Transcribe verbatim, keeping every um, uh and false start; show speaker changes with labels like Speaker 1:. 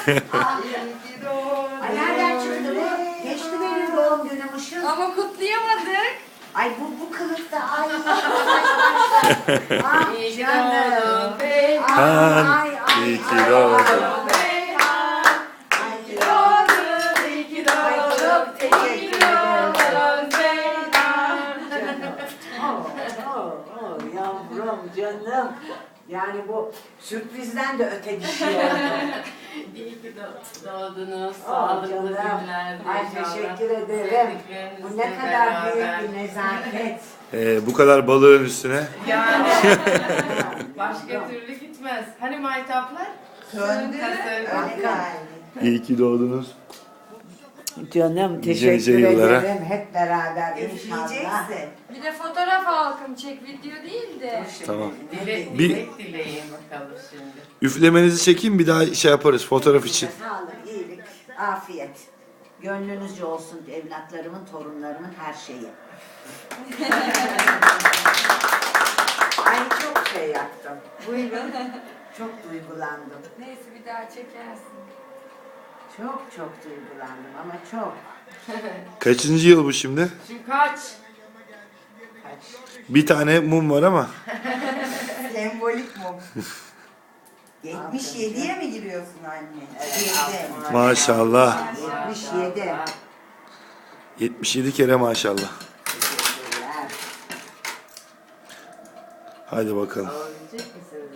Speaker 1: ki doğdun.
Speaker 2: Ay nereden çıktı bu? Geçti benim doğum günümüşüm.
Speaker 1: Ama kutlayamadık.
Speaker 2: Ay bu bu kılıkta ay. Ay, ah
Speaker 1: İyi ki
Speaker 2: canım.
Speaker 1: doğdun Beyhan.
Speaker 2: Ay
Speaker 3: Han,
Speaker 2: ay ay.
Speaker 3: iyi ki
Speaker 2: ay,
Speaker 3: doğdun.
Speaker 2: ay.
Speaker 1: Beyhan.
Speaker 2: Ay,
Speaker 1: İyi ki doğdun, iyi ki
Speaker 2: Ay,
Speaker 1: doğdun.
Speaker 2: çok teşekkür
Speaker 1: İyi ki
Speaker 2: ederim.
Speaker 1: doğdun Beyhan.
Speaker 2: Oh, oh, oh, yavrum canım. Yani bu sürprizden de öte bir şey oldu.
Speaker 1: İyi ki do- doğdunuz.
Speaker 2: Oh,
Speaker 1: Sağlıklı
Speaker 2: canım.
Speaker 1: günler.
Speaker 2: Ay
Speaker 1: inşallah.
Speaker 2: teşekkür ederim. Bu ne kadar
Speaker 1: Sevdiklerinizle
Speaker 2: büyük bir nezaket.
Speaker 3: Ee, bu kadar balığın üstüne.
Speaker 1: Yani başka türlü gitmez. Hani maytaplar?
Speaker 4: Söndü.
Speaker 1: Kasım.
Speaker 3: İyi ki doğdunuz.
Speaker 2: Canım
Speaker 3: Nice
Speaker 2: teşekkür
Speaker 3: nice yıllara.
Speaker 2: ederim. Hep beraber inşallah.
Speaker 4: Üfleyeceksin.
Speaker 1: Bir de fotoğraf halkım çek, video değil de.
Speaker 3: Tamam.
Speaker 1: Dile,
Speaker 3: Bir-
Speaker 1: dilek dileyin bakalım şimdi.
Speaker 3: Üflemenizi çekeyim, bir daha şey yaparız fotoğraf için.
Speaker 2: Sağlık, iyilik, afiyet. Gönlünüzce olsun evlatlarımın, torunlarımın her şeyi. Ay çok şey yaptım. Buyurun. Çok duygulandım.
Speaker 1: Neyse bir daha çekersin.
Speaker 2: Çok çok duygulandım ama çok.
Speaker 3: Kaçıncı yıl bu şimdi?
Speaker 1: Şimdi kaç?
Speaker 2: Kaç.
Speaker 3: Bir tane mum var ama.
Speaker 4: Sembolik mum. yetmiş yediye mi giriyorsun anne? Yedi.
Speaker 3: Maşallah.
Speaker 2: yetmiş yedi.
Speaker 3: yetmiş yedi kere maşallah.
Speaker 2: Teşekkürler.
Speaker 3: Hadi bakalım.
Speaker 1: Alabilecek misiniz